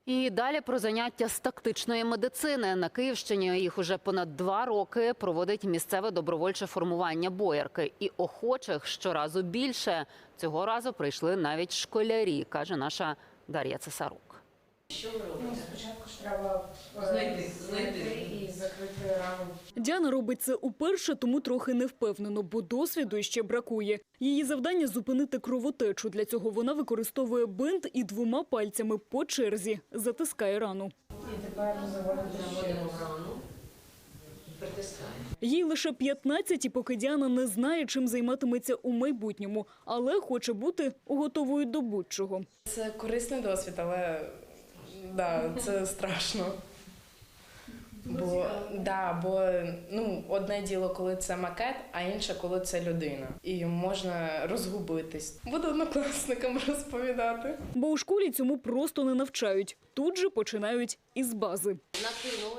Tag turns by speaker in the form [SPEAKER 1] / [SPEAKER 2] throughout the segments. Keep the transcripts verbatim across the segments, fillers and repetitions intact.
[SPEAKER 1] І далі про заняття з тактичної медицини. На Київщині їх уже понад два роки проводить місцеве добровольче формування «Боярки». І охочих щоразу більше. Цього разу прийшли навіть школярі, каже наша Дар'я Цесарук.
[SPEAKER 2] Що ви робите?
[SPEAKER 3] Ну, спочатку ж треба
[SPEAKER 2] Знайти,
[SPEAKER 3] знайти
[SPEAKER 2] знайти.
[SPEAKER 3] і закрити рану.
[SPEAKER 4] Діана робить це уперше, тому трохи не впевнено, бо досвіду ще бракує. Її завдання – зупинити кровотечу. Для цього вона використовує бинт і двома пальцями по черзі затискає рану.
[SPEAKER 3] І тепер заводимо
[SPEAKER 2] Наводимо рану, притискаємо.
[SPEAKER 4] Їй лише п'ятнадцять, і поки Діана не знає, чим займатиметься у майбутньому, але хоче бути готовою до будь-чого.
[SPEAKER 5] Це корисний досвід, але да, це страшно. Бо, да, бо ну, одне діло, коли це макет, а інше, коли це людина. І можна розгубитись. Буду однокласникам розповідати.
[SPEAKER 4] Бо у школі цьому просто не навчають. Тут же починають із бази.
[SPEAKER 2] Накинули.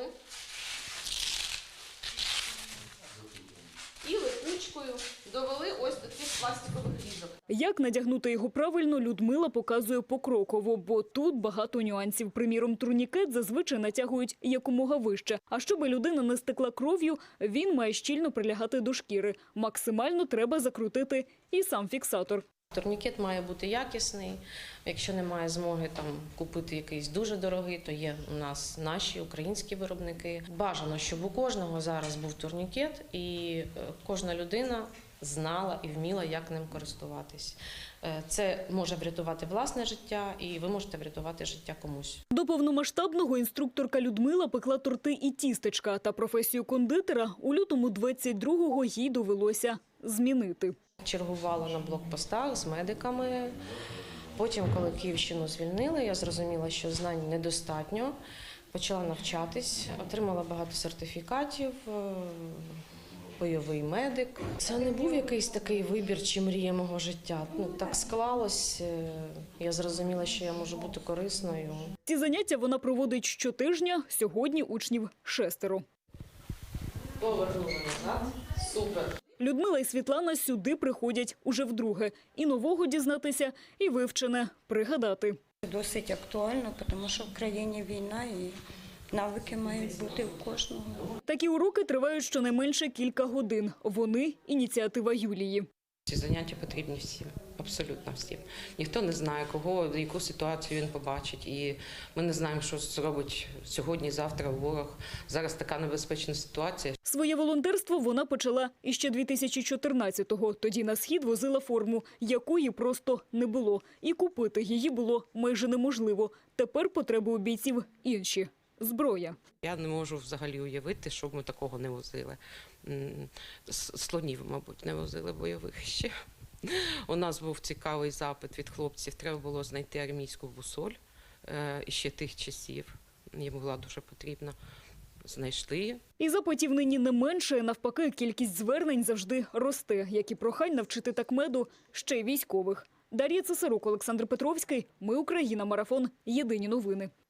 [SPEAKER 2] І липучкою довели ось до цих пластикових різок.
[SPEAKER 4] Як надягнути його правильно, Людмила показує покроково, бо тут багато нюансів. Приміром, турнікет зазвичай натягують якомога вище. А щоб людина не стекла кров'ю, він має щільно прилягати до шкіри. Максимально треба закрутити і сам фіксатор.
[SPEAKER 2] Турнікет має бути якісний. Якщо немає змоги там купити якийсь дуже дорогий, то є у нас наші українські виробники. Бажано, щоб у кожного зараз був турнікет і е, кожна людина знала і вміла, як ним користуватись. Е, Це може врятувати власне життя, і ви можете врятувати життя комусь.
[SPEAKER 4] До повномасштабного інструкторка Людмила пекла торти і тістечка. Та професію кондитера у лютому двадцять другого їй довелося змінити.
[SPEAKER 2] Чергувала на блокпостах з медиками. Потім, коли Київщину звільнили, я зрозуміла, що знань недостатньо. Почала навчатись, отримала багато сертифікатів, е, бойовий медик. Це не був якийсь такий вибір чи мрія мого життя. Ну, так склалось, е, я зрозуміла, що я можу бути корисною.
[SPEAKER 4] Ці заняття вона проводить щотижня. Сьогодні учнів шестеро.
[SPEAKER 2] Повернула назад. Супер.
[SPEAKER 4] Людмила і Світлана сюди приходять уже вдруге. І нового дізнатися, і вивчене пригадати.
[SPEAKER 6] Досить актуально, тому що в країні війна і навики мають бути у кожного.
[SPEAKER 4] Такі уроки тривають щонайменше кілька годин. Вони – ініціатива Юлії.
[SPEAKER 7] Ці заняття потрібні всім, абсолютно всім. Ніхто не знає, кого, яку ситуацію він побачить. І ми не знаємо, що зробить сьогодні, завтра ворог. Зараз така небезпечна ситуація.
[SPEAKER 4] Своє волонтерство вона почала іще дві тисячі чотирнадцятого. Тоді на Схід возила форму, якої просто не було. І купити її було майже неможливо. Тепер потреби у бійців інші – зброя.
[SPEAKER 7] Я не можу взагалі уявити, щоб ми такого не возили. М, с- Слонів, мабуть, не возили бойових ще. У нас був цікавий запит від хлопців. Треба було знайти армійську бусоль е, іще тих часів. Їм була дуже потрібна. Знайшли.
[SPEAKER 4] І запитів нині не менше, навпаки, кількість звернень завжди росте, як і прохань навчити такмеду ще й військових. Дар'я Цесарук, Олександр Петровський. Ми Україна. Марафон. Єдині новини.